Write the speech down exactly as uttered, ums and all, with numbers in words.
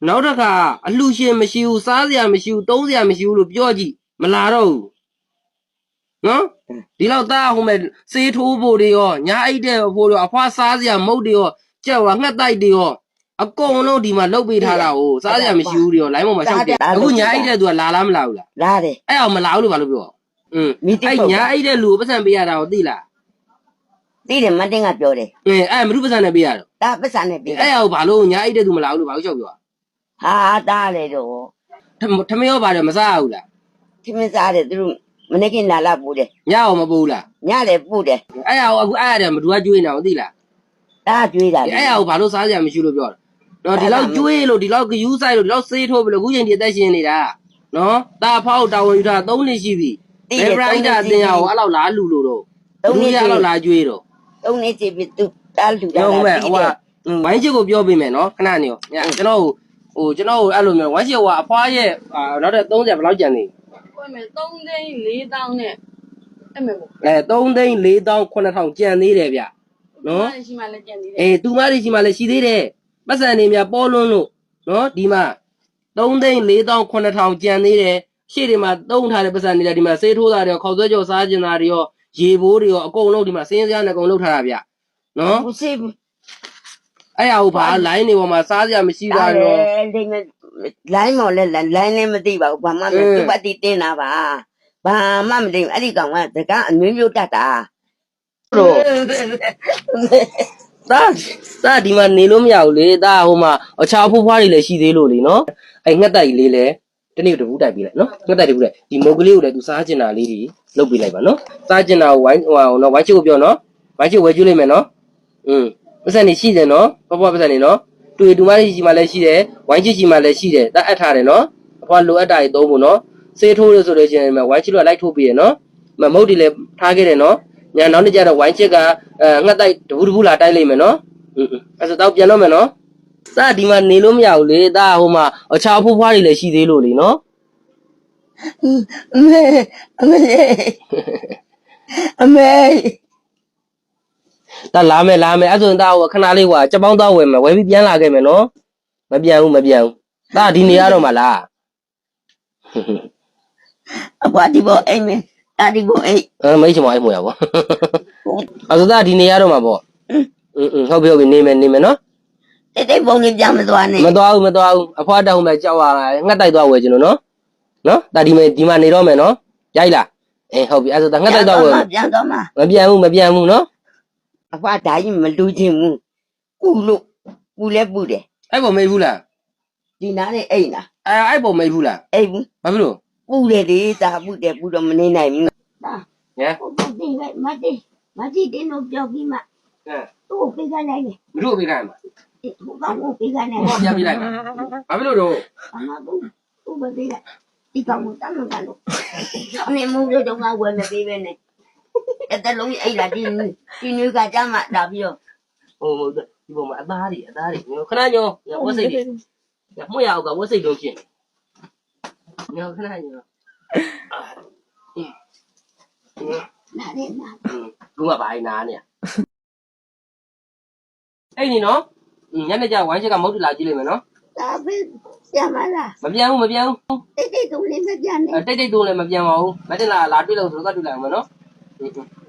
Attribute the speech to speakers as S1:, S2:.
S1: နောက်တစ်ခါအလှရှင်မရှိဘူးစားစရာမရှိဘူးသုံးစရာမရှိဘူးလို့ပြောကြည့်မလာတော့ဘူးနော်ဒီလောက်သားဟိုမဲ့စေးထိုးဖို့တွေရောညာအိတ်တဲ့ဖို့တွေရောအဖွားစားစရာမုတ်တွေရောကြက်ဝါငှက်တိုက်တွေရောအကုန်လုံးဒီမှာလုတ်ပေးထားတာကိုစားစရာမရှိဘူးတွေရောလိုင်းပေါ်မှာရှောက်တယ်အခုညာအိတ်တဲ့သူကလာလားမလာဘူးလား
S2: လာတယ်
S1: အဲ့အောင်မလာဘူးလို့ဘာလို့ပြောอืมအဲ့ညာအိတ်တဲ့လူကိုပတ်စံပေးရတာကိုသိလား
S2: သိတယ်မတင်ကပြောတယ်
S1: အဲအဲ့မလူပတ်စံနဲ့ပေးရတော့
S2: ဒါပတ်စံနဲ့ပေး
S1: အဲ့အောင်ဘာလို့ညာအိတ်တဲ့သူမလာဘူးလို့ဘာလို့ရှောက်ပြော
S2: ဟာတားလေတော့
S1: ထမင်းရောပါတယ်မစားဘူးလား
S2: ထမင်းစားတယ်သူတို့မနေ့ကလာလာပို့တယ်
S1: ညအောင်မပိုးလား
S2: ညလည်းပို့တယ်
S1: အဲ့အောင်အခုအဲ့ရတယ်မတူကကျွေးနေအောင်သိလား
S2: ဒါကျွေးတာ
S1: အဲ့အောင်ဘာလို့စားကြမရှိလို့ပြောတာနော်ဒီလောက်ကျွေးလို့ဒီလောက်ယူဆိုင်လို့ဒီလောက်စေးထိုးပြီးလို့အခုချိန်ဒီအသက်ရှင်နေတာနော်တာဖောက်တာဝန်ယူတာသုံးနှစ်ရှိပြီဘယ်ပရိုက်တာအတင်ရအောင်အဲ့လောက်လားလူလို့တော့သုံးနှစ်အဲ့လောက်လားကျွေးတော့
S2: သုံးနှစ်ကြည့်ပြီးသူတားလူတာ
S1: ဟုတ်မဲ့ဟိုကဝိုင်းချစ်ကိုပြောပေးမယ်နော်ခဏနေရောကျွန်တော်ဟိုကျွန်တော်အဲ့လိုမျိုးဝိုင်းချစ်ကအဖွားရဲ့နောက်တဲ့သုံးဆယ်ဘယ်လောက်ကျန်နေ
S3: ကိုယ်မယ်သုံးသိန်းလေးသောင်းနဲ့အဲ့မဲ့ပေါ့
S1: အဲသုံးသိန်းလေးသောင်းခုနှစ်ထောင်ကျန်သေးတယ်ဗျနော်
S3: ရှိမှလည်းကျန်သေးတယ်
S1: အေးသူမတွေရှိမှလည်းရှိသေးတယ်ပတ်စံနေမြပေါ်လွန်းလို့နော်ဒီမှာသုံးသိန်းလေးသောင်းခုနှစ်ထောင်ကျန်သေးတယ်ရှေ့တွေမှာသုံးထားတဲ့ပတ်စံတွေလည်းဒီမှာစေးထိုးတာတွေခေါက်ဆွဲကြော်စားကျင်တာတွေရောရေဘိုးတွေရောအကုန်လုံးဒီမှာစင်းစရာနဲ့အကုန်လုံးထားတာဗျနော်
S2: မရှိဘူး
S1: အဲ့ရဟုတ်ပါလိုင်းနေပေါ်မှာစားစရာမရှိတာရော
S2: လိုင်းမော်လဲလိုင်းလည်းမသိပါဘူးဘာမှမသူ့ပတ်တီတင်းတာပါဘာမှမသိဘူးအဲ့ဒီကောင်ကတကအမျိုးမျိုးတတ်တာ
S1: တို့သားသားဒီမှာနေလို့မရဘူးလေသားဟိုမှာအခြားဖိုးဖွားတွေလည်းရှိသေးလို့လေနော်အဲ့ငှက်တိုက်လေးလည်းတနေ့တပူးတိုက်ပေးလိုက်နော်ငှက်တိုက်တပူးတိုက်ဒီမုတ်ကလေးကိုလည်းသူစားကျင်တာလေးတွေလုပ်ပေးလိုက်ပါနော်စားကျင်တာကိုဝိုင်းဟိုနော်ဝိုင်းချစ်ကိုပြောနော်ဝိုင်းချစ်ဝဲကျွေးလိုက်မယ်နော်อืมပတ်စံနေရှိတယ်နော်ဘဘပတ်စံနေနော်တွေ့တူမလေးရှိမှလည်းရှိတယ်ဝိုင်းချစ်ရှိမှလည်းရှိတယ်တတ်အပ်ထားတယ်နော်အဖွားလိုအပ်တာတွေသုံးဖို့နော်စေးထိုးလို့ဆိုလို့ချင်းဝိုင်းချစ်တို့ကလိုက်ထိုးပေးရနော်မမုတ်တွေလည်းထားခဲ့တယ်နော်ညာနောက်နေ့ကျတော့ဝိုင်းချစ်ကအဲငှက်တိုက်တပူးတပူးလာတိုက်လိုက်မယ်နော်อืมအဲ့ဆိုတော့ပြန်တော့မယ်နော်သားဒီမှာနေလို့မရဘူးလေသားဟိုမှာအခြားဖိုးဖွားတွေလည်းရှိသေးလို့လေနော်
S2: အမေအမေအမေ
S1: ဒါလာမယ်လာမယ်အဲ့ဆိုရင်သားဟိုခဏလေးဟိုကချက်ပေါင်းသားဝယ်မယ်ဝယ်ပြီးပြန်လာခဲ့မယ်နော်မပြန်ဘူးမပြန်ဘူးသားဒီနေရတော့မှလား
S2: အဘဒီဘောအိမ်မယ်တာဒီဘောအိမ်
S1: အဲမိတ်ချင်မအိမ်မွေရပါအဲ့ဆိုသားဒီနေရတော့မှာပေါ့อืมอืมဟုတ်ပြီဟုတ်ပြီနေမယ်နေမယ်နော်
S2: တိတ်တိတ်ပုံလေးပြန်မသွားနဲ့
S1: မသွားဘူးမသွားဘူးအဖွားတောင်းမဲ့ကြောက်ရငှက်တိုက်သွားဝယ်ခြင်းလို့နော်နော်ဒါဒီမဲ့ဒီမှာနေတော့မယ်နော်ရိုက်လားအေးဟုတ်ပြီအဲ့ဆိုသားငှက်တိုက်သွားဝယ်
S2: ပြန်တော့မှာ
S1: မပြန်ဘူးမပြန်ဘူးနော်
S2: အဖွားဓာကြီးမလူချင်းဘူးကုလို့ပူလဲပူတယ်
S1: အဲ့ပေါ်မေးဘူးလား
S2: ဒီနားနဲ့အိမ်လား
S1: အဲ့အဲ့ပေါ်မေးဘူးလား
S2: အိမ်ဘူး
S1: ဘာဖြစ်လို့
S2: ပူတယ်လေဒါပူတယ်ပူတော့မနေနိုင်ဘူး
S3: ဒါ
S1: ဟမ်
S3: ဟုတ်တယ်မတိမတိတင်းတို့ပြောပြီးမှ
S1: အဲ
S3: သူ့ကိုပေးခိုင်းလိုက်တယ်
S1: ဘလို့ပေးခိုင်းမှာ
S3: ဟိုကောင်ကိုပေးခိုင်းတယ်
S1: ဟောပြန်ပေးလိုက်မှာဘာဖြစ်လို့တော့
S3: အမကူသူ့ပဲပေးလိုက်ဒီကောင်ကိုတမ်းလို့တမ်းလို့အနေမိုးတို့တော့ငါဝယ်မပေးပဲနဲ့အဲ့တလုံးအိတ်လာဒီဒီနွေးကကြမှာလာပြီးတော့
S1: ဟိုဒီပေါ်မှာအသားတွေအသားတွေခဏညောဝတ်စိတ်တွေမွေရအောင်ကဝတ်စိတ်လုံးဖြစ်ညောခဏညော
S3: နားနေနား
S1: ဘူးကဘာနာနေအဲ့ဒီနော်ညနေကျဝိုင်းချက်ကမုတ်တလာကြည့်လိုက်မယ်နော်
S3: ဒါပဲပြန်မလား
S1: မပြန်ဘူးမပြန်ဘူး
S3: တိတ်တိတ်တုံးလေးမပြန်နဲ့
S1: တိတ်တိတ်တုံးလည်းမပြန်ပါဘူးမတင်လာလာတွေ့လို့ဆိုတော့တွေ့လိုက်အောင်မနော်